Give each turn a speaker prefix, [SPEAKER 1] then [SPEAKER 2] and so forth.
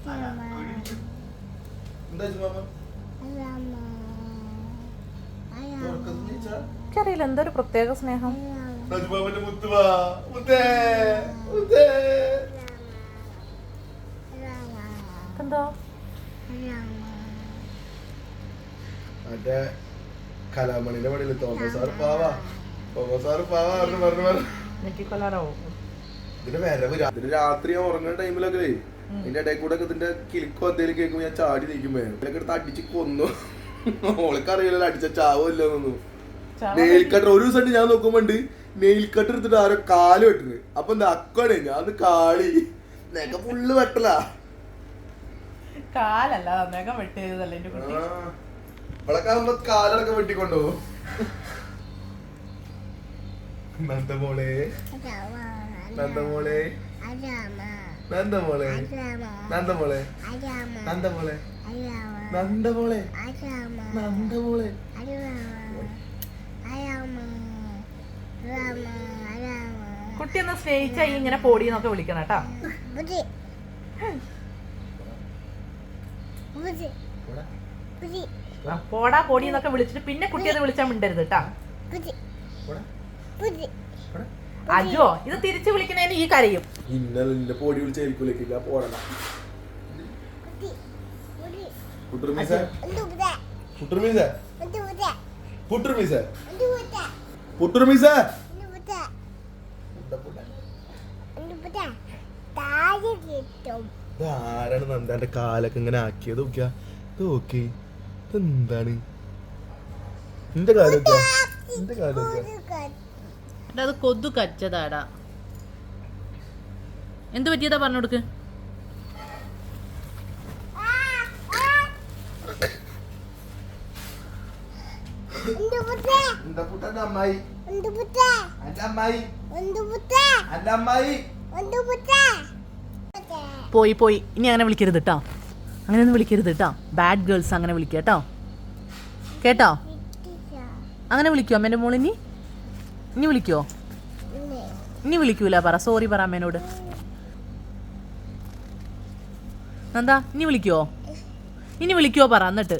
[SPEAKER 1] അറിയില്ല എന്തൊരു പ്രത്യേക സ്നേഹം. എന്തോ
[SPEAKER 2] മറ്റേ കലാമണിന്റെ പണിയില് തോമസ് സാറ് പാവാ പറഞ്ഞു ഇതിന്റെ വരവ് രാത്രി ഉറങ്ങുന്ന ടൈമിലൊക്കെ ഇതിന്റെ ഇടയിൽ കൂടെ ഒക്കെ ഇതിന്റെ കിലിക്കോ എന്തെങ്കിലും കേൾക്കുമ്പോ ഞാൻ ചാടി നിൽക്കുമ്പോ ഇതിലൊക്കെ എടുത്ത് അടിച്ച് കൊന്നു. ഓൾക്കറിയില്ലല്ലോ അടിച്ച ചാവില്ലൊന്നും. നെയിൽ കട്ടർ ഒരു ദിവസം ഞാൻ നോക്കുമ്പോണ്ട് നെയിൽ കട്ടർ എടുത്തിട്ട് ആരോ കാല് വെട്ടുന്നത്. അപ്പൊ എന്താ അക്കണേ ഞാൻ കാളി നെക ഫുള്ള് വെട്ടലാ.
[SPEAKER 1] കാലല്ല നഖം വെട്ടിയതല്ലേ എന്റെ കുട്ടി.
[SPEAKER 2] ഇവളൊക്കെ ആകുമ്പോ കാലടക്കം വെട്ടിക്കൊണ്ടുപോകും. നന്ദമോളെ നന്ദമോളെ നന്ദമോളെ നന്ദമോളെ നന്ദമോളെ നന്ദമോളെ നന്ദമോളെ
[SPEAKER 1] കുട്ടി ഒന്ന് സ്നേഹിച്ച ഇങ്ങനെ പോടിന്നൊക്കെ വിളിക്കണം കേട്ടാ. പോടാ പൊടി എന്നൊക്കെ വിളിച്ചിട്ട് പിന്നെ കുട്ടിയെ വിളിച്ചാൽ മിണ്ടരുത് കേട്ടാ. അജോ ഇത് തിരിച്ചു വിളിക്കുന്നതിന് ഈ കരയും.
[SPEAKER 2] ഇന്നലെ പൊടി വിളിച്ചായിരിക്കില്ല പോടണ ആരാണ് നന്ദാന്റെ കാലൊക്കെ ഇങ്ങനെ ആക്കിയത്? നോക്കി എന്താണ് എന്റെ കാലൊക്കെ എന്റെ കാലൊക്കെ
[SPEAKER 1] അത് കൊതു കച്ചതാടാ. എന്ത് പറ്റിയതാ പറഞ്ഞു കൊടുക്ക്. പോയി പോയി ഇനി അങ്ങനെ വിളിക്കരുത് കേട്ടോ. അങ്ങനെയൊന്നും വിളിക്കരുത് കേട്ടോ. ബാഡ് ഗേൾസ് അങ്ങനെ വിളിക്കുക കേട്ടോ. കേട്ടോ അങ്ങനെ വിളിക്കുമോ അമ്മേൻ്റെ മോളിനി? ഇനി വിളിക്കുമോ? ഇനി വിളിക്കൂല പറ. സോറി പറ അമ്മേനോട്. എന്താ ഇനി വിളിക്കുവോ? ഇനി വിളിക്കുവോ പറ. എന്നിട്ട്